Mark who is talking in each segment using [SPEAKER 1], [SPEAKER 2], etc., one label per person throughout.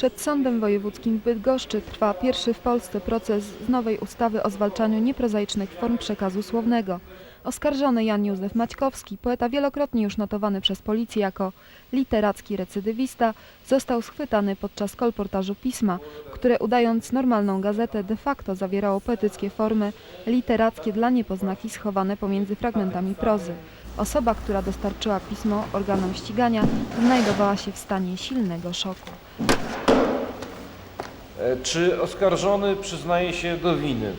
[SPEAKER 1] Przed Sądem Wojewódzkim w Bydgoszczy trwa pierwszy w Polsce proces z nowej ustawy o zwalczaniu nieprozaicznych form przekazu słownego. Oskarżony Jan Józef Maćkowski, poeta wielokrotnie już notowany przez policję jako literacki recydywista, został schwytany podczas kolportażu pisma, które udając normalną gazetę de facto zawierało poetyckie formy literackie dla niepoznaki schowane pomiędzy fragmentami prozy. Osoba, która dostarczyła pismo organom ścigania, znajdowała się w stanie silnego szoku.
[SPEAKER 2] Czy oskarżony przyznaje się do winy?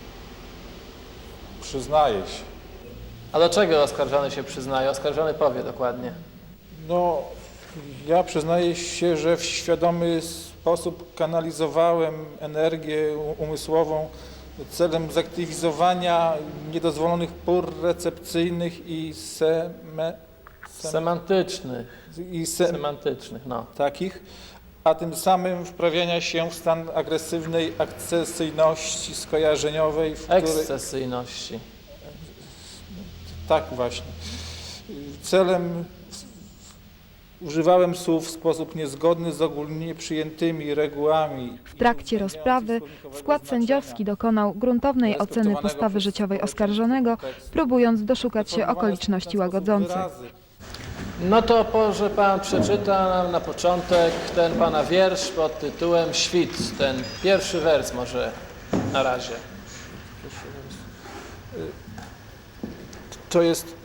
[SPEAKER 3] Przyznaję się.
[SPEAKER 4] A do czego oskarżony się przyznaje? Oskarżony powie dokładnie.
[SPEAKER 3] No, ja przyznaję się, że w świadomy sposób kanalizowałem energię umysłową celem zaktywizowania niedozwolonych pór recepcyjnych i
[SPEAKER 4] Semantycznych, no.
[SPEAKER 3] takich, a tym samym wprawiania się w stan agresywnej akcesyjności skojarzeniowej, w której...
[SPEAKER 4] Ekscesyjności.
[SPEAKER 3] Tak właśnie. Celem używałem słów w sposób niezgodny z ogólnie przyjętymi regułami.
[SPEAKER 1] W trakcie rozprawy skład sędziowski dokonał gruntownej oceny postawy życiowej oskarżonego, próbując doszukać się okoliczności łagodzących.
[SPEAKER 4] No to może pan przeczyta nam na początek ten pana wiersz pod tytułem Świt. Ten pierwszy wers może na razie.
[SPEAKER 3] To jest: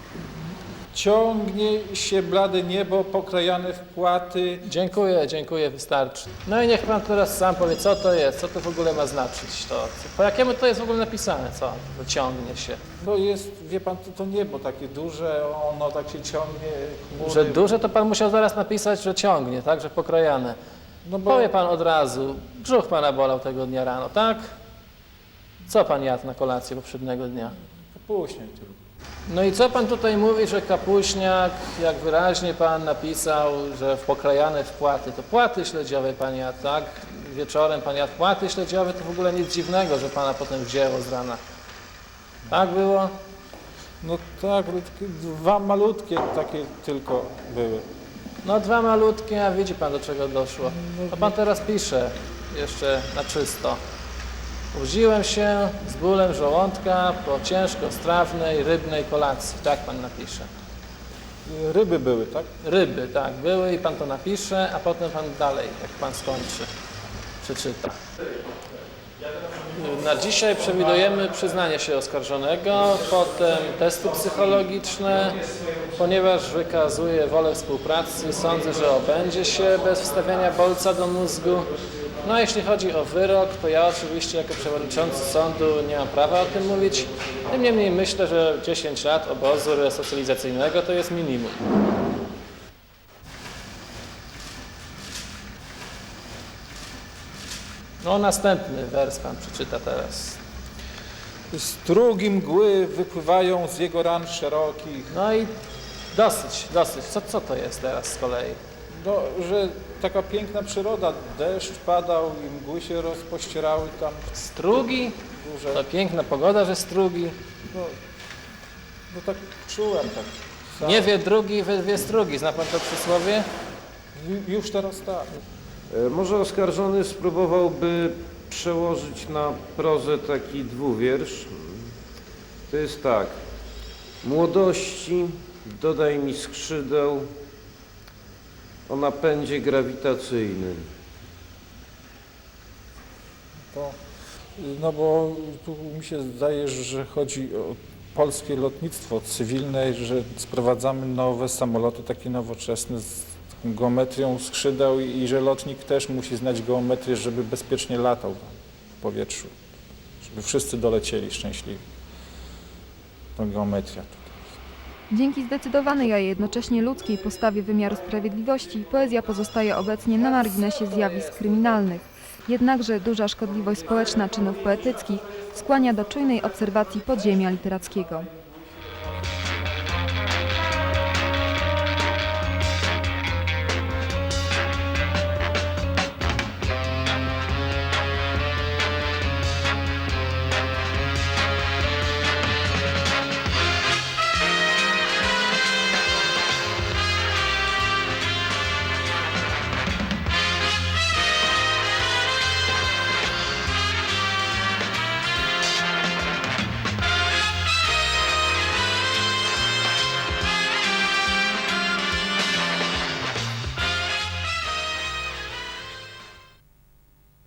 [SPEAKER 3] ciągnie się blade niebo pokrajane w płaty.
[SPEAKER 4] Dziękuję, wystarczy. No i niech pan teraz sam powie, co to jest, co to w ogóle ma znaczyć. Po jakiemu to jest w ogóle napisane, co to ciągnie się?
[SPEAKER 3] No jest, wie pan, to niebo takie duże, ono tak się ciągnie. Chmury.
[SPEAKER 4] Że duże to pan musiał zaraz napisać, że ciągnie, tak, że pokrajane.
[SPEAKER 3] No bo
[SPEAKER 4] Powie pan od razu, brzuch pana bolał tego dnia rano, tak? Co pan jadł na kolację poprzedniego dnia?
[SPEAKER 3] później tylko.
[SPEAKER 4] No i co pan tutaj mówi, że kapuśniak, jak wyraźnie pan napisał, że pokrajane w płaty, to płaty śledziowe pan jadł, tak? Wieczorem pan jadł płaty śledziowe, to w ogóle nic dziwnego, że pana potem wzięło z rana. Tak było?
[SPEAKER 3] No tak, ale takie dwa malutkie takie tylko były.
[SPEAKER 4] No dwa malutkie, a widzi pan, do czego doszło. To pan teraz pisze, jeszcze na czysto. Budziłem się z bólem żołądka po ciężko strawnej, rybnej kolacji. Tak pan napisze.
[SPEAKER 3] Ryby były, tak?
[SPEAKER 4] Ryby, tak, były i pan to napisze, a potem pan dalej, jak pan skończy, przeczyta. Na dzisiaj przewidujemy przyznanie się oskarżonego, potem testy psychologiczne. Ponieważ wykazuje wolę współpracy, sądzę, że obędzie się bez wstawiania bolca do mózgu. No a jeśli chodzi o wyrok, to ja oczywiście jako przewodniczący sądu nie mam prawa o tym mówić. Tym niemniej myślę, że 10 lat obozu resocjalizacyjnego to jest minimum. No następny wers pan przeczyta teraz.
[SPEAKER 3] Strugi mgły wypływają z jego ran szerokich.
[SPEAKER 4] No i dosyć. Co to jest teraz z kolei?
[SPEAKER 3] No, że taka piękna przyroda, deszcz padał i mgły się rozpościerały tam.
[SPEAKER 4] Strugi?
[SPEAKER 3] Duże.
[SPEAKER 4] To piękna pogoda, że strugi.
[SPEAKER 3] No tak czułem tak. Sam.
[SPEAKER 4] Nie wie drugi, wie strugi. Zna pan to przysłowie?
[SPEAKER 3] Już teraz tak.
[SPEAKER 2] Może oskarżony spróbowałby przełożyć na prozę taki dwuwiersz. To jest tak. Młodości dodaj mi skrzydeł o napędzie grawitacyjnym.
[SPEAKER 3] No bo tu mi się zdaje, że chodzi o polskie lotnictwo cywilne, że sprowadzamy nowe samoloty takie nowoczesne z taką geometrią skrzydeł i że lotnik też musi znać geometrię, żeby bezpiecznie latał w powietrzu, żeby wszyscy dolecieli szczęśliwi. To geometria tutaj.
[SPEAKER 1] Dzięki zdecydowanej, a jednocześnie ludzkiej postawie wymiaru sprawiedliwości poezja pozostaje obecnie na marginesie zjawisk kryminalnych. Jednakże duża szkodliwość społeczna czynów poetyckich skłania do czujnej obserwacji podziemia literackiego.